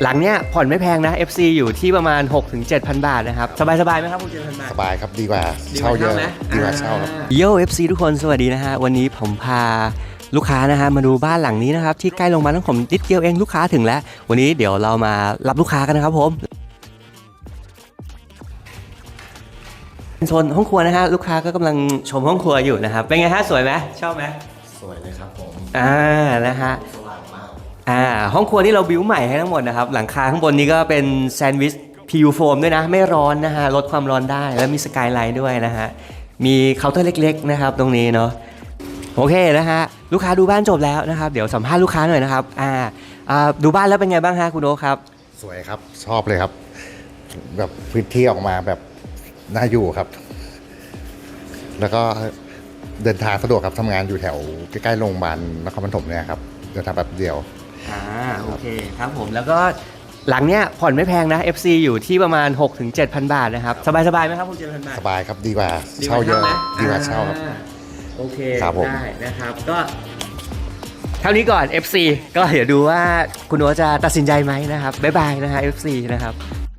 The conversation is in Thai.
หลังเนี้ยผ่อนไม่แพงนะ FC อยู่ที่ประมาณ 6-7,000 บาทนะครับสบายไหมครับ6-7,000 บาทสบายครับดีกว่าเช่าเยอะดีกว่าเช่าครับโย่ FC ทุกคนสวัสดีนะฮะวันนี้ผมพาลูกค้านะฮะมาดูบ้านหลังนี้นะครับที่ใกล้โรงพยาบาลของผมนิดเดียวเองลูกค้าถึงแล้ววันนี้เดี๋ยวเรามารับลูกค้ากันนะครับผมโซนห้องครัวนะฮะลูกค้าก็กำลังชมห้องครัวอยู่นะครับเป็นไงฮะสวยไหมชอบไหมสวยเลยครับผมนะฮะสว่างมากห้องครัวที่เราบิวใหม่ให้ทั้งหมดนะครับหลังคาข้างบนนี้ก็เป็นแซนด์วิชPUโฟมด้วยนะไม่ร้อนนะฮะลดความร้อนได้แล้วมีสกายไลท์ด้วยนะฮะมีเคาน์เตอร์เล็กๆนะครับตรงนี้เนาะโอเคนะฮะลูกค้าดูบ้านจบแล้วนะครับเดี๋ยวสัมภาษณ์ลูกค้าหน่อยนะครับดูบ้านแล้วเป็นไงบ้างฮะคุณโอ๊คครับสวยครับชอบเลยครับแบบพื้นที่ออกมาแบบน่าอยู่ครับแล้วก็เดินทางสะดวกครับทำงานอยู่แถวใกล้ๆโรงพยาบาลนครปฐมเนี่ยครับเดินทางแบบเดียวโอเคครับผมแล้วก็หลังเนี้ยผ่อนไม่แพงนะ FC อยู่ที่ประมาณ 6-7,000 บาทนะครับสบายไหมครับ6-7,000 บาทสบายครับดีกว่าเช่าเยอะดีกว่าเช่าครับโอเคครับผมได้นะครับก็เท่านี้ก่อน FC ก็เดี๋ยวดูว่าคุณโอ๊ตจะตัดสินใจไหมนะครับบ๊ายบายนะฮะ FC นะครับ